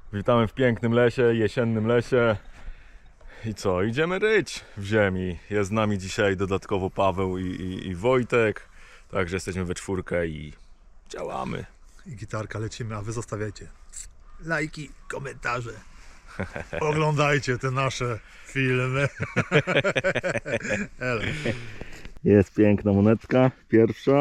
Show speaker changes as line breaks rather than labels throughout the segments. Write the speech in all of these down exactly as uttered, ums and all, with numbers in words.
Witamy w pięknym lesie, jesiennym lesie. I co? Idziemy ryć w ziemi. Jest z nami dzisiaj dodatkowo Paweł i, i, i Wojtek. Także jesteśmy we czwórkę i działamy.
I gitarka, lecimy, a wy zostawiajcie lajki, komentarze. Oglądajcie te nasze filmy. Elo.
Jest piękna monetka, pierwsza.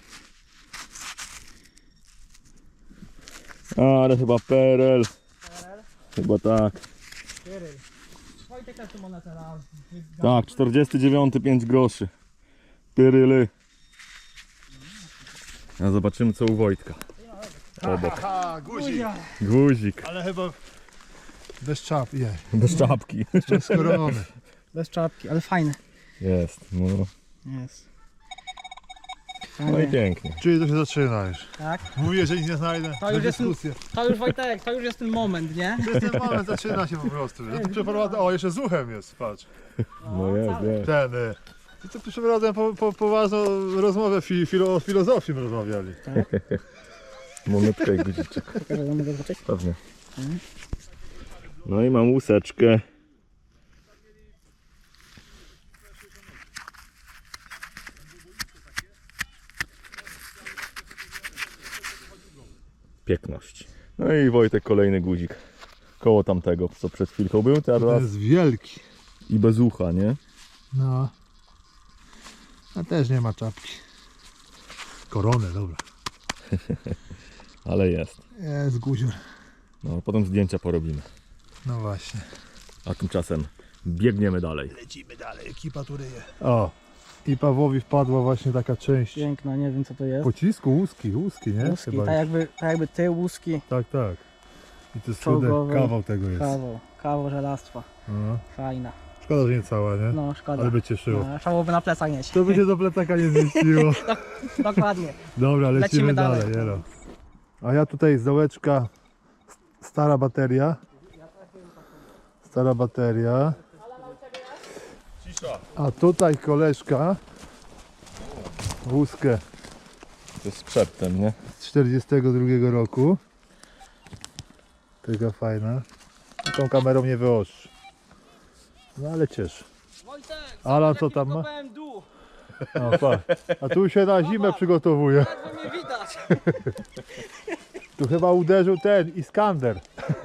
Ale chyba P R L. Chyba tak.
Wojtek też tu monetę na...
Tak, czterdzieści dziewięć, pięć groszy. Pyryly. A zobaczymy co u Wojtka. Obok.
Aha, guzik.
Guzik.
Ale chyba bez czap, je.
Bez czapki.
Bez korony.
Bez czapki, ale fajny.
Jest, no.
Jest.
No i pięknie.
Czyli to się zaczyna już.
Tak?
Mówię, że nic nie znajdę.
To już jest,
dyskusję.
to już Wojtek, to już jest ten moment, nie?
To jest ten moment, zaczyna się po prostu. Ja tu przeprowadzę. O, jeszcze z uchem jest, patrz.
No jest, jest.
Ten. y, I tu przeprowadzę po, po, poważną rozmowę fi, filo, o filozofii rozmawiali.
Monetka i guziczek.
Pokażę, mogę zobaczyć.
Pewnie. No i mam łuseczkę. Piękność. No i Wojtek kolejny guzik. Koło tamtego, co przed chwilką był,
To
teraz
jest wielki.
i bez ucha, nie?
No. A też nie ma czapki. Koronę, dobra.
Ale jest.
Jest guzior.
No, potem zdjęcia porobimy.
No właśnie.
A tymczasem biegniemy dalej.
Lecimy dalej, ekipa tu ryje. O, i Pawłowi wpadła właśnie taka część
Piękna, nie wiem co to jest.
pocisku, łuski, łuski, nie?
Łuski,
Chyba
tak
już.
jakby, tak jakby ty łuski,
Tak, tak. I to jest cudny
Czołgowy.
kawał tego jest.
kawał, kawał żelastwa.
No.
Fajna.
Szkoda, że nie cała, nie?
No szkoda.
Ale by cieszyło.
No, trzeba byłoby na plecach nieść.
To by się do plecaka nie zmieściło.
Dokładnie.
Dobra, lecimy,
Lecimy
dalej.
dalej.
Jelo. A ja tutaj z dołeczka, stara bateria. Stara bateria. A tutaj koleżka łuskę
To jest przedtem, nie?
z czterdziestego drugiego roku. Taka fajna. Tą kamerą nie wyostrzy. No ale cieszę.
Wojtek,
Alan co tam ma?
B M W,
O, pa. A tu się na zimę przygotowuje.
ledwo mnie widać.
Tu chyba uderzył ten Iskander.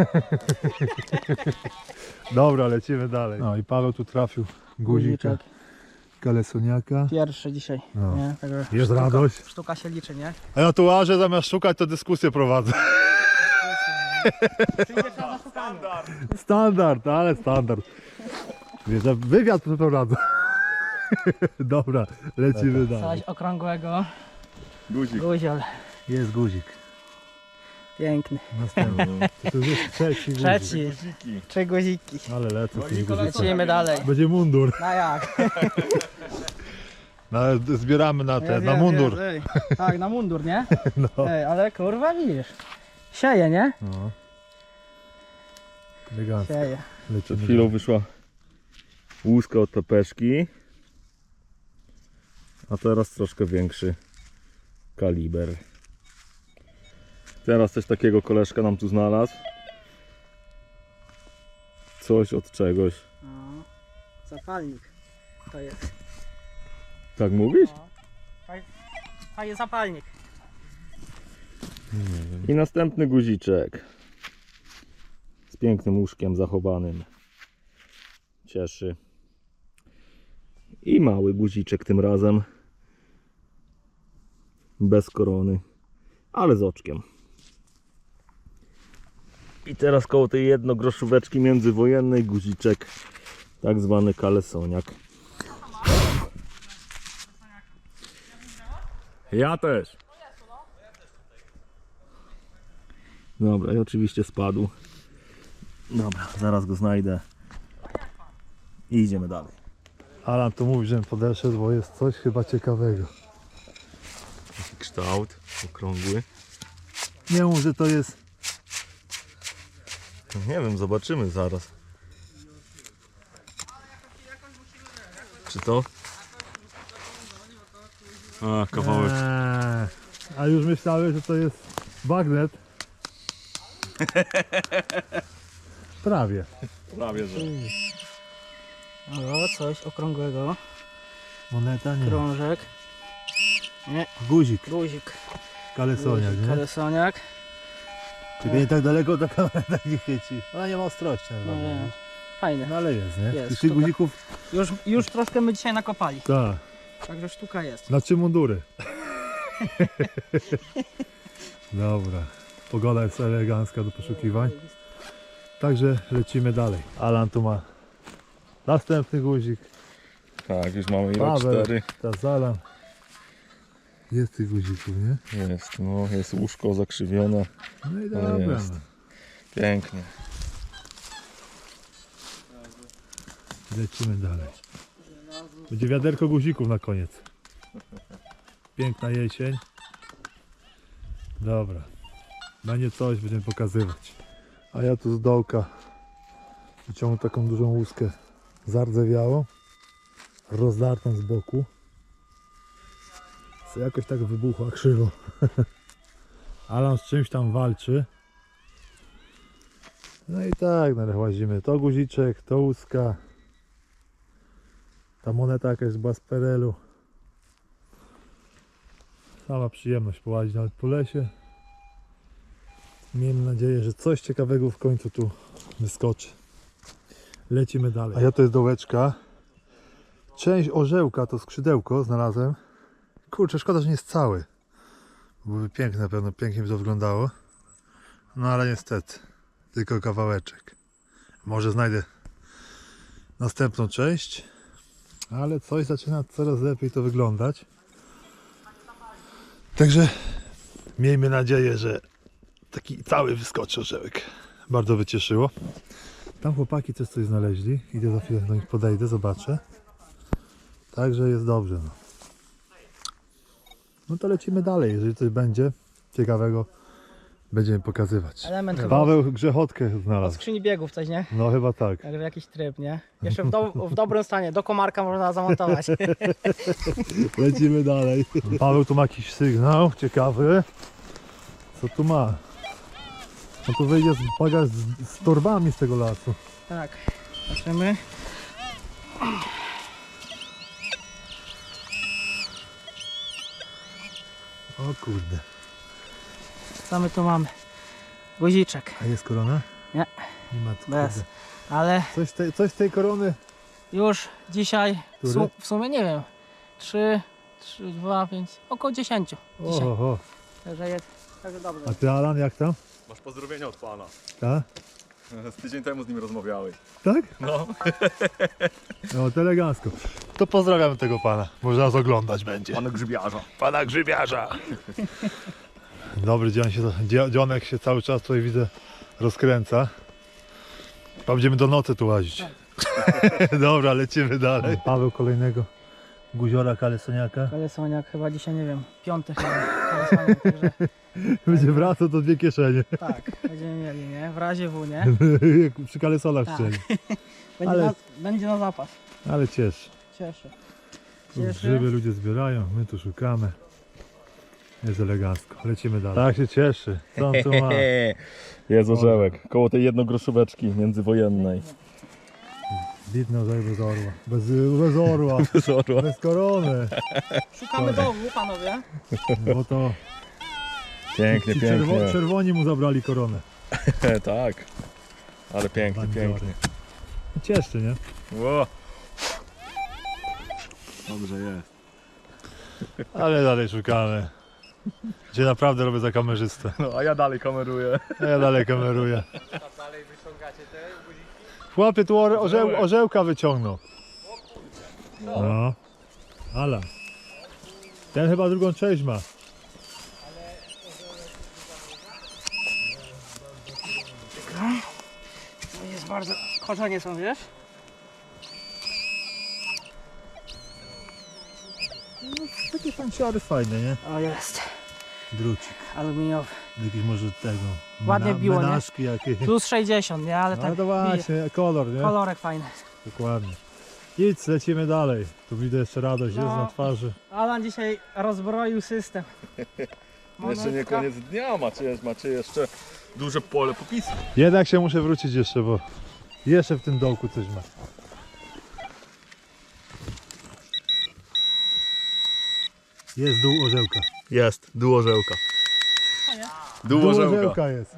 Dobra, lecimy dalej. No i Paweł tu trafił guzika,
Guziczek.
kalesoniaka.
Pierwszy dzisiaj,
No.
nie? Także
Jest
sztuka,
radość.
Sztuka się liczy, nie?
A ja tu łażę, zamiast szukać, to dyskusję prowadzę.
Przyjdzie czas na szukanie.
Standard, ale standard. Wiesz, że wywiad przeprowadzę. Dobra, lecimy dalej.
Coś okrągłego.
Guzik.
Guziol.
Jest guzik.
Piękny.
Następny. To już jest trzeci guzik.
Trzeci. Trzy guziki.
Ale lecę z tym guzikiem.
Lecimy dalej.
Będzie mundur.
No jak?
No, ale zbieramy na ten,
Jest,
na
jest,
mundur.
jest, ej. Tak, na mundur, nie?
No.
Ej, ale kurwa widzisz. Sieje, nie?
No. Elegancko.
Sieje.
Przed
Lecimy
chwilą
dalej.
wyszła łuska od pepeszki. A teraz troszkę większy kaliber. Teraz coś takiego koleżka nam tu znalazł. Coś od czegoś.
No. Zapalnik. To jest.
Tak mówisz?
No. Fajny zapalnik.
I następny guziczek. Z pięknym łóżkiem zachowanym. Cieszy. I mały guziczek tym razem. Bez korony. Ale z oczkiem. I teraz koło tej jednogroszóweczki międzywojennej guziczek. Tak zwany kalesoniak. Ja też. Dobra, i oczywiście spadł. Dobra, zaraz go znajdę. I idziemy dalej.
Alan tu mówi, że podeszedł, bo jest coś chyba ciekawego.
Taki kształt okrągły.
Nie mów, że to jest...
Nie wiem, zobaczymy zaraz. Czy to? A, kawałek.
Eee, a już myślałem, że to jest bagnet. Prawie.
Prawie, że.
O, coś okrągłego.
Moneta nie.
Krążek. Nie,
Guzik.
guzik.
Kalesoniak,
Guzik,
nie?
kalesoniak.
Tylko nie tak daleko ta kamera tak nie chwyci. Ona nie ma ostrości.
No,
No,
wiem. Fajny.
no ale jest, nie?
Jest,
I tych
sztuka.
guzików,
Już, już troszkę my dzisiaj nakopali.
tak.
Także sztuka jest.
Na trzy mundury. Dobra. Pogoda jest elegancka do poszukiwań. Także lecimy dalej. Alan tu ma następny guzik.
Tak, już mamy ile?
Paweł,
Cztery.
teraz Alan. Jest tych guzików, nie?
Jest, no, jest łóżko zakrzywione.
No i
No
dobra.
jest.
No.
Pięknie.
Lecimy dalej. Będzie wiaderko guzików na koniec. Piękna jesień. Dobra. Będzie coś, będziemy pokazywać. A ja tu z dołka wyciągnę taką dużą łuskę zardzewiałą, rozdartą z boku. Co jakoś tak wybuchła krzywo. Alan z czymś tam walczy. No i tak, no, łazimy. To guziczek, to łuska. Ta moneta jakaś była z perelu. Sama przyjemność połazić nawet po lesie. Miejmy nadzieję, że coś ciekawego w końcu tu wyskoczy. Lecimy dalej. A ja to jest dołeczka. Część orzełka, to skrzydełko znalazłem. Kurczę, szkoda, że nie jest cały. Byłoby piękne, na pewno pięknie by to wyglądało. No ale niestety, tylko kawałeczek. Może znajdę następną część. Ale coś zaczyna coraz lepiej to wyglądać. Także miejmy nadzieję, że taki cały wyskoczy orzełek. Bardzo by cieszyło. Tam chłopaki też coś znaleźli. Idę za chwilę do nich podejdę, zobaczę. Także jest dobrze. No, no to lecimy dalej. Jeżeli coś będzie ciekawego, będziemy pokazywać.
Element chyba
Paweł grzechotkę
od
znalazł.
skrzyni biegów coś, nie?
No chyba tak.
Także jakiś tryb, nie? Jeszcze w, do, w dobrym stanie, do komarka można zamontować.
Lecimy dalej. Paweł tu ma jakiś sygnał ciekawy. Co tu ma? No tu wyjdzie z bagaż z, z torbami z tego lasu.
Tak, patrzymy.
O kurde.
Co my tu mamy? Guziczek,
A jest korona?
Nie.
Nie ma tu.
bez.
kurde.
Ale
Coś, z tej, coś z tej korony.
już dzisiaj, w,
Który?
su, w sumie nie wiem, trzy, trzy, dwa, pięć, około dziesięciu dzisiaj.
Oho.
Także jest, także dobrze.
A ty Alan jak tam?
Masz pozdrowienia od pana.
Tak?
Z tydzień temu z nim rozmawiałeś.
Tak?
No.
No to elegancko. To pozdrawiam tego pana. Może nas oglądać będzie.
Pan grzybiarza.
Pana grzybiarza. Dobry dzień się, dzio- dzionek się cały czas tutaj widzę rozkręca. Chyba będziemy do nocy tu łazić. Dobra, lecimy dalej. Paweł kolejnego guziora kalesoniaka.
Kalesoniak chyba dzisiaj, nie wiem, piąty chyba kalesoniak, także
Będzie wracał do dwie kieszenie.
tak, będziemy mieli, nie? W razie W, nie?
Jak przy kalesonach
Tak.
strzeli.
Będzie,
Ale-
na, będzie na zapas.
Ale cieszy.
Cieszę.
Tu
Cieszę.
grzyby ludzie zbierają, my tu szukamy. Jest elegancko. Lecimy dalej. Tak się cieszy. Co on tu ma?
Jest orzełek. Koło tej jednogroszóweczki międzywojennej.
Widno orzełek bez orła. Bez, bez orła.
Z orła.
Bez korony.
Szukamy dołu, panowie.
Bo to
Pięknie,
ci
pięknie.
czerwo, czerwoni mu zabrali koronę.
Tak. Ale pięknie,
Bandziory.
pięknie.
Cieszy, nie?
Ło. Dobrze jest.
Ale dalej szukamy. Gdzie naprawdę robię za kamerzystę.
No, a ja dalej kameruję.
A ja dalej kameruję. Chłopie tu orze, orzeł, orzełka wyciągnął. No. Ala. Ten chyba drugą część ma.
To jest bardzo... Korzenie są, wiesz?
No, takie fanciary fajne, nie?
O, jest.
Drucik.
Aluminiowy.
Jakiś może tego.
Ładnie
mena-
biło, nie?
menażki jakieś.
Plus sześćdziesiąt, nie? Ale
No
tak
to
bije.
właśnie, kolor, nie?
Kolorek fajny.
Dokładnie. Idź, lecimy dalej. Tu widzę jeszcze radość jest
No.
na twarzy.
Alan dzisiaj rozbroił system.
Jeszcze nie
Monetka.
koniec dnia. Macie, macie jeszcze duże pole popisu.
Jednak się muszę wrócić jeszcze, bo jeszcze w tym dołku coś ma. Jest dół orzełka.
Jest, dół orzełka. Dół
Dół
orzełka.
orzełka jest.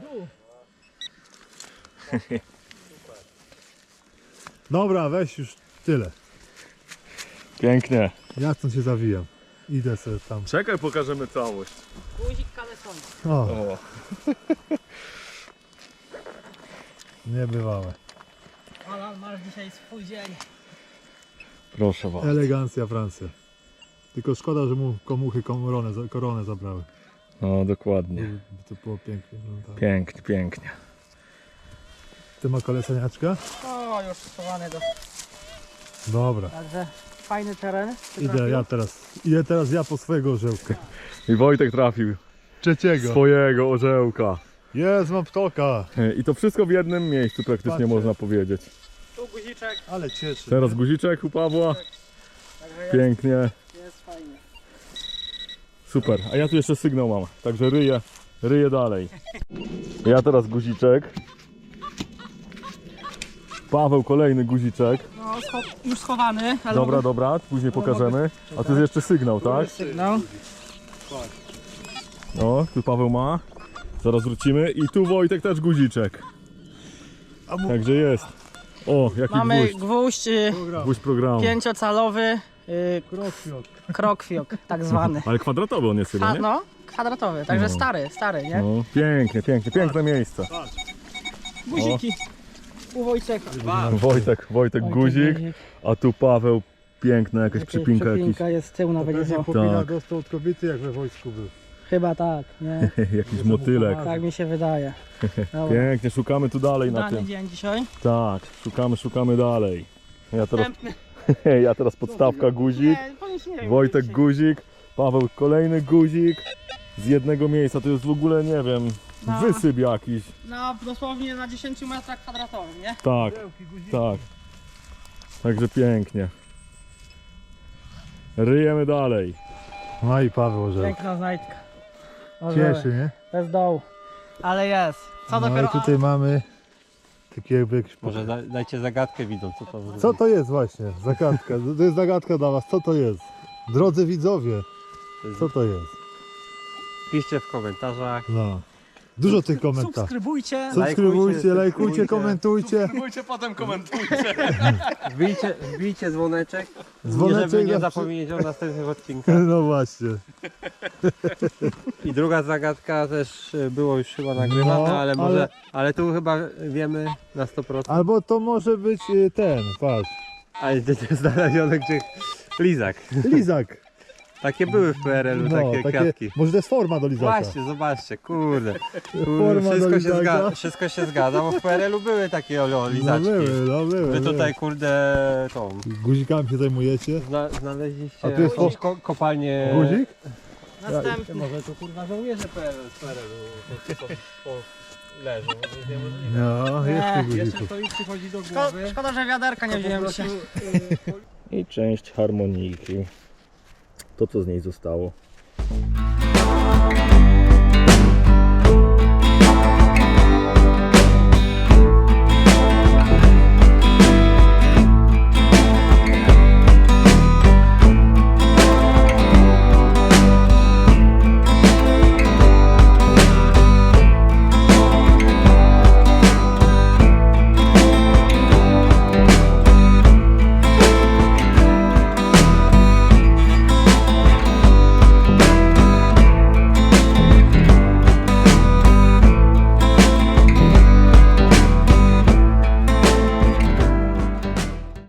Dobra, weź już tyle.
Pięknie.
Ja stąd się zawijam. Idę sobie tam.
Czekaj, pokażemy całość.
Guzik kaleson.
O,
O,
niebywałe.
Alan, masz dzisiaj swój dzień.
proszę bardzo.
Elegancja Francja. Tylko szkoda, że mu komuchy koronę, koronę zabrały.
No dokładnie.
By to było pięknie wyglądało.
Pięknie, pięknie.
Ty ma kolesaniaczka?
O, już schowany do...
Dobra.
Także fajny teren.
Idę ja teraz. Idę teraz ja po swojego orzełka.
I Wojtek trafił
Trzeciego.
swojego orzełka.
Jest, mam ptoka.
I to wszystko w jednym miejscu praktycznie
Patrzcie.
można powiedzieć.
Tu guziczek.
Ale cieszy.
Teraz guziczek u Pawła.
Także jest,
Pięknie.
jest fajnie.
Super. A ja tu jeszcze sygnał mam. Także ryję, ryję dalej. Ja teraz guziczek. Paweł kolejny guziczek.
No, scho już schowany. Ale
Dobra,
mogę-
dobra, później pokażemy. A to jest jeszcze sygnał, tak?
Sygnał.
No, tu Paweł ma. Zaraz wrócimy. I tu Wojtek też guziczek. Także jest. O, jaki
Mamy
gwóźdź.
gwóźdź y,
Gwóźdź programu.
pięciocalowy, y,
Krokwiok.
krokwiok tak zwany.
Ale kwadratowy on jest chyba,
A,
nie?
no, kwadratowy, także
No.
stary, stary, nie?
No, pięknie, pięknie, piękne miejsce.
Guziki. U Wojcieka.
Wojtek, Wojtek guzik, a tu Paweł, piękna jakaś
Jakaś
przypinka, jakiś,
przypinka jest z tyłu
To
nawet.
pewnie
jest o-
chłopina
Tak.
dostał od kobiety, jak we wojsku był.
Chyba tak, nie?
jakiś motylek.
Tak mi się wydaje. Dobra.
Pięknie, szukamy tu dalej na
Dany
tym.
dzień dzisiaj.
Tak, szukamy, szukamy dalej. Ja teraz,
Następny.
ja teraz podstawka guzik,
Nie, powiedz nie wiem,
Wojtek
dzisiaj.
guzik, Paweł kolejny guzik z jednego miejsca. To jest w ogóle, nie wiem,
No.
wysyp jakiś.
No, dosłownie na dziesięciu metrach kwadratowych, nie?
Tak, tak. Także pięknie. Ryjemy dalej.
No i Paweł orzełka.
Piękna znajdka. Orzełek.
Cieszy, nie?
Bez dołu. Ale jest. Co
No
dopiero...
i tutaj mamy taki jakby jakiś...
Może da, dajcie zagadkę widzom, co to
Co to jest właśnie? Zagadka. To jest zagadka dla was. Co to jest? Drodzy widzowie,
jest?
co to jest?
Piszcie w komentarzach.
No. Dużo tych komentarzy.
Subskrybujcie.
Subskrybujcie,
Lajkujcie,
lajkujcie,
subskrybujcie.
komentujcie.
Subskrybujcie, potem komentujcie.
Wbijcie, wbijcie dzwoneczek,
Dzwoneczek
żeby nie
zawsze-
zapomnieć o następnych odcinkach.
No właśnie.
I druga zagadka też y, było już chyba nagrywana,
No,
ale może,
ale-
ale tu chyba wiemy na sto procent.
Albo to może być y, ten, patrz.
Ale gdzie to jest znalezione, gdzie lizak.
Lizak.
Takie były w P R L-u,
No,
takie, kwiatki.
może to jest forma do lizaka.
Właśnie, zobaczcie, kurde.
Forma
kurde
do
wszystko, się
lizaka.
zgadza, wszystko się zgadza, bo w P R L-u były takie o,
No
lizaczki.
były, no były.
Wy
były.
tutaj kurde tą
Guzikami się zajmujecie?
zna, znaleźliście
A tu jest
jakąś ko kopalnię.
Guzik?
Następny.
Może tu kurwa żołnierze P R L z P R L-u to, to, to leżą, może jest niemożliwe.
No, jest
Nie,
tych
Jeszcze
guzików.
to mi przychodzi do
Szko
głowy.
szkoda, że wiaderka nie wziąłem dzisiaj.
I część harmoniki. To co z niej zostało.